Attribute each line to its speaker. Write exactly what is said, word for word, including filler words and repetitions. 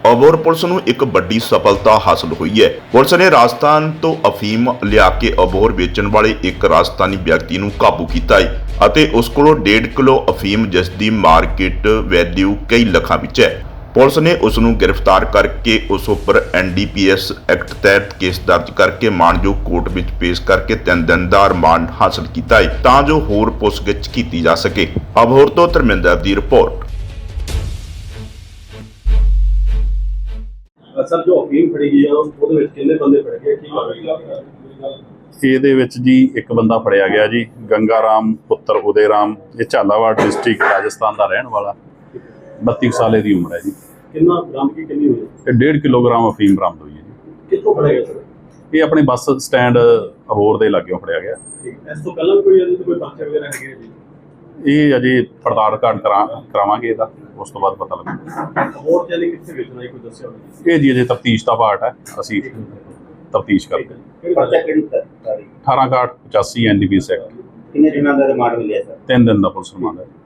Speaker 1: Abohar police ਨੂੰ ਇੱਕ ਵੱਡੀ ਸਫਲਤਾ ਹਾਸਲ ਹੋਈ ਹੈ। ਪੁਲਿਸ ਨੇ ਰਾਜਸਥਾਨ ਤੋਂ ਅਫੀਮ ਲਿਆ ਕੇ ਅਬੋਹਰ ਵੇਚਣ ਵਾਲੇ ਇੱਕ ਰਾਜਸਥਾਨੀ ਵਿਅਕਤੀ ਨੂੰ ਕਾਬੂ ਕੀਤਾ ਹੈ ਅਤੇ ਉਸ ਕੋਲੋਂ ਡੇਢ ਕਿਲੋ ਅਫੀਮ, ਜਿਸ ਦੀ ਮਾਰਕੀਟ ਵੈਲਿਊ ਕਈ ਲੱਖਾਂ ਵਿੱਚ ਹੈ। ਪੁਲਿਸ ਨੇ ਉਸ ਨੂੰ ਗ੍ਰਿਫਤਾਰ ਕਰਕੇ ਉਸ ਉੱਪਰ N D P S act ਤਹਿਤ ਕੇਸ ਦਰਜ ਕਰਕੇ ਮਾਣਯੋਗ ਕੋਰਟ ਵਿੱਚ ਪੇਸ਼ ਕਰਕੇ ਤਿੰਨ ਦਿਨ ਦਾ ਰਿਮਾਂਡ ਹਾਸਲ ਕੀਤਾ ਹੈ ਤਾਂ ਜੋ ਹੋਰ ਪੁੱਛਗਿੱਛ ਕੀਤੀ ਜਾ ਸਕੇ। ਅਬੋਹਰ ਤੋਂ ਧਰਮਿੰਦਰ ਦੀ ਰਿਪੋਰਟ।
Speaker 2: ਸਰ, ਜੋ ਅਫੀਮ ਫੜੀ ਗਈ ਆ ਉਹਦੇ ਵਿੱਚ ਕਿੰਨੇ ਬੰਦੇ ਫੜੇ ਗਏ, ਕੀ ਕਾਰਵਾਈ?
Speaker 3: ਇਹਦੇ ਵਿੱਚ ਜੀ ਇੱਕ ਬੰਦਾ ਫੜਿਆ ਗਿਆ ਜੀ, ਗੰਗਾ ਰਾਮ ਪੁੱਤਰ ਉਦੇ ਰਾਮ। ਇਹ ਝਾਲਾਵਾੜ ਡਿਸਟ੍ਰਿਕਟ ਰਾਜਸਥਾਨ ਦਾ ਰਹਿਣ ਵਾਲਾ, ਬੱਤੀ ਸਾਲੇ ਦੀ ਉਮਰ ਹੈ ਜੀ।
Speaker 2: ਕਿੰਨਾ ਬਰਾਮਦਗੀ ਕਿੰਨੀ ਹੋਈ?
Speaker 3: ਇਹ ਡੇਢ ਕਿਲੋਗ੍ਰਾਮ ਅਫੀਮ ਬਰਾਮਦ ਹੋਈ ਹੈ ਜੀ।
Speaker 2: ਕਿੱਥੋਂ ਫੜਿਆ ਗਿਆ ਸਰ?
Speaker 3: ਇਹ ਆਪਣੇ ਬੱਸ ਸਟੈਂਡ ਅਬੋਹਰ ਦੇ ਲਾਗਿਓਂ ਫੜਿਆ ਗਿਆ।
Speaker 2: ਇਸ ਤੋਂ ਪਹਿਲਾਂ ਵੀ ਕੋਈ ਇਹਦੇ ਤੇ ਕੋਈ ਪਰਚੇ ਵਗੈਰਾ ਹੈਗੇ ਜੀ?
Speaker 3: ਇਹ ਅਜੇ ਪੜਤਾਲ ਘਾਟ ਕਰਾ ਕਰਾਵਾਂਗੇ ਇਹਦਾ, ਉਸ ਤੋਂ ਬਾਅਦ ਪਤਾ ਲੱਗੂ।
Speaker 2: ਹੋਰ ਚੈਨਲ ਕਿੱਥੇ ਵੇਚਣਾ, ਕੋਈ ਦੱਸਿਆ ਹੋਵੇ?
Speaker 3: ਇਹ ਜੀ ਅਜੇ ਤਫਤੀਸ਼ ਦਾ ਪਾਰਟ ਹੈ, ਅਸੀਂ ਤਫਤੀਸ਼ ਕਰਦੇ ਹਾਂ।
Speaker 2: ਪਰਚਾ ਕਿਹੜੀ ਤਾਰੀਖ?
Speaker 3: ਅਠਾਰਾਂ ਕਾਟ ਪਚਾਸੀ N D P S act.
Speaker 2: ਕਿੰਨੇ ਦਿਨਾਂ ਦਾ ਰਿਮਾਂਡ ਮਿਲਿਆ ਸਰ?
Speaker 3: ਤਿੰਨ ਦਿਨ ਦਾ ਪੁਲਿਸ ਰਿਮਾਂਡ ਹੈ।